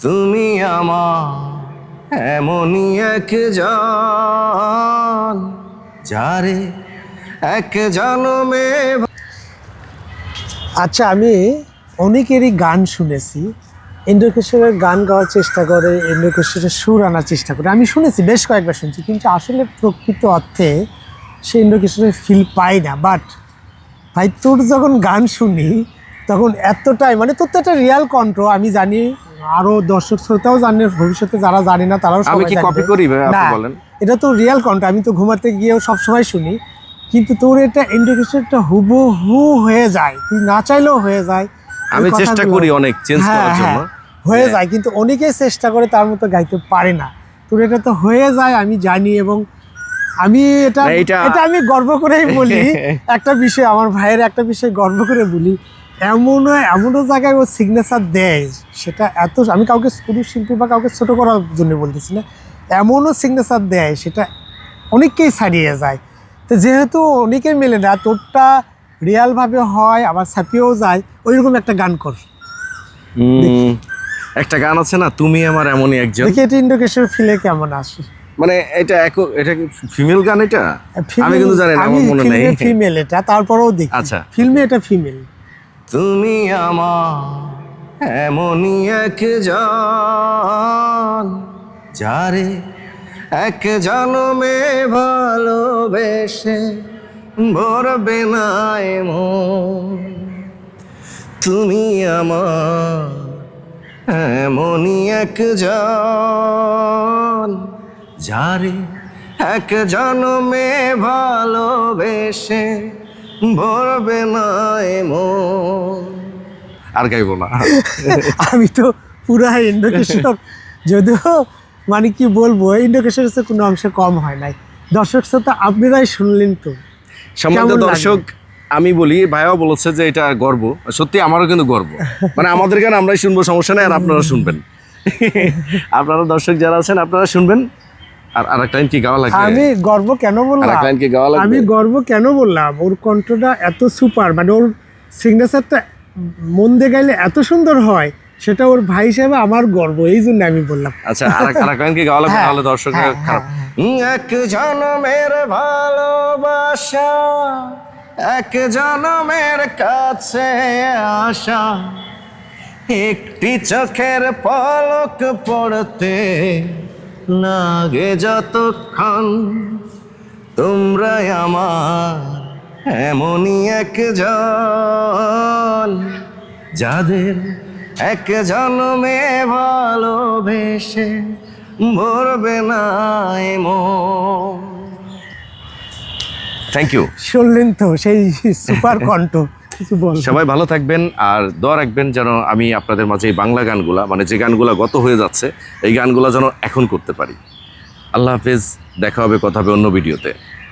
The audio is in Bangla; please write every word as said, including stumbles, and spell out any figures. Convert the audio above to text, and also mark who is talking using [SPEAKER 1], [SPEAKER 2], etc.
[SPEAKER 1] তুমি আমার এমনই একজন যারে এক জনমে।
[SPEAKER 2] আচ্ছা, আমি অনেকেরই গান শুনেছি, ইন্দ্রকিশোরের গান গাওয়ার চেষ্টা করে, ইন্দ্রকিশোরের সুর আনার চেষ্টা করে। আমি শুনেছি, বেশ কয়েকবার শুনছি, কিন্তু আসলে প্রকৃত অর্থে সে ইন্দ্রকিশোরের ফিল পাই না। বাট ভাই, তোর যখন গান শুনি তখন এতটাই, মানে তোর তো একটা রিয়াল কণ্ঠ। আমি জানি, আরও দর্শক শ্রোতাও জানে, ভবিষ্যতে যারা জানে না তারাও
[SPEAKER 1] আমি
[SPEAKER 2] সবাই
[SPEAKER 1] কি
[SPEAKER 2] জানবে।
[SPEAKER 1] কপি করি ভাই, আপনি
[SPEAKER 2] না,
[SPEAKER 1] বলেন।
[SPEAKER 2] এটা তো রিয়াল কণ্ঠ, আমি তো ঘুমাতে গিয়েও সবসময় শুনি। কিন্তু তোর এটা ইন্ডিকেশনটা হুবহু হয়ে যায়, তুই না চাইলেও হয়ে যায়।
[SPEAKER 1] আমি চেষ্টা করি অনেক চেঞ্জ করার জন্য,
[SPEAKER 2] হয়ে যায়, কিন্তু অনেকেই চেষ্টা করে তার মতো গাইতে পারে না। তোর এটা তো হয়ে যায়, আমি জানি। এবং আমি এটা এটা আমি গর্ব করেই বলি, একটা বিষয়, আমার ভাইয়ের একটা বিষয় গর্ব করে বলি, এমনও এমনও জায়গায় ও সিগনেচার দেয়, সেটা এত, আমি কাউকে পুরুষ শিল্পী বা কাউকে ছোটো করার জন্য বলতেছি না, এমনও সিগনেচার দেয় সেটা অনেককেই ছাড়িয়ে যায়। তো যেহেতু অনেকেই মেলে না, তোরটা রিয়ালভাবে হয়, আবার ছাপিয়েও যায়, ওইরকম একটা গান কর।
[SPEAKER 1] একটা গান আছে না, তুমি আমার এমনই একজন,
[SPEAKER 2] দেখি এটা ইন্ডোকেশন ফিলে কেমন আসে।
[SPEAKER 1] মানে এটা এক, এটা কি ফিমেল গান? এটা আমি কিন্তু জানি না, আমার মনে নেই।
[SPEAKER 2] ফিমেল এটা, তারপরেও দেখি।
[SPEAKER 1] আচ্ছা,
[SPEAKER 2] ফিল্মে এটা ফিমেল।
[SPEAKER 1] তুমি আমার এমনই একজন যারে এক জনমে ভালোবেসে ভরবে না মন। তুমি আমার এমনই একজন যারে এক জনমে ভালোবেসে ভরবে না মন। আর গাইবো না।
[SPEAKER 2] আমি তো পুরা ইন্ডোকেশন, যদিও মানে কি বলবো, ইন্ডোকেশন কোনো অংশে কম হয় নাই। দর্শক শ্রোতা আপনারাই শুনলেন তো,
[SPEAKER 1] সম্মানিত দর্শক, আমি বলি, ভাইও বলেছে যে এটা গর্ব, সত্যি আমারও কিন্তু গর্ব। মানে আমাদের গান আমরাই শুনবো, সমস্যা নেই, আর আপনারা শুনবেন। আপনারা দর্শক যারা আছেন আপনারা শুনবেন। আর আরেকটা লাইন কি গাওয়া লাগবে?
[SPEAKER 2] আমি গর্ব কেন বললাম,
[SPEAKER 1] আরেকটা লাইন কি গাওয়া লাগবে?
[SPEAKER 2] আমি গর্ব কেন বললাম, ওর কণ্ঠটা এত সুপার, মানে ওর সিগনেচারটা মন দিয়ে গাইলে এত সুন্দর হয়, সেটা ওর ভাই হিসেবে আমার গর্ব, এই জন্য আমি বললাম।
[SPEAKER 1] আচ্ছা, আরেকটা লাইন কি গাওয়া লাগবে? তাহলে দর্শক খারাপ। এক জনমের ভালোবাসা, এক জনমের কাছে আসা, একটি চোখের পলক পড়তে লাগে যতক্ষণ, তোমরাই আমার এমনই একজন যাদের এক জনমে ভালোবেসে ভরবে না মন। Thank you.
[SPEAKER 2] শুনলেন তো সেই সুপার কণ্ঠ।
[SPEAKER 1] সবাই ভালো থাকবেন, আর দোয়া রাখবেন যেন আমি আপনাদের মাঝে এই বাংলা গানগুলা, মানে যে গানগুলা গত হয়ে যাচ্ছে, এই গানগুলা যেন এখন করতে পারি। আল্লাহ হাফেজ, দেখা হবে, কথা হবে অন্য ভিডিওতে।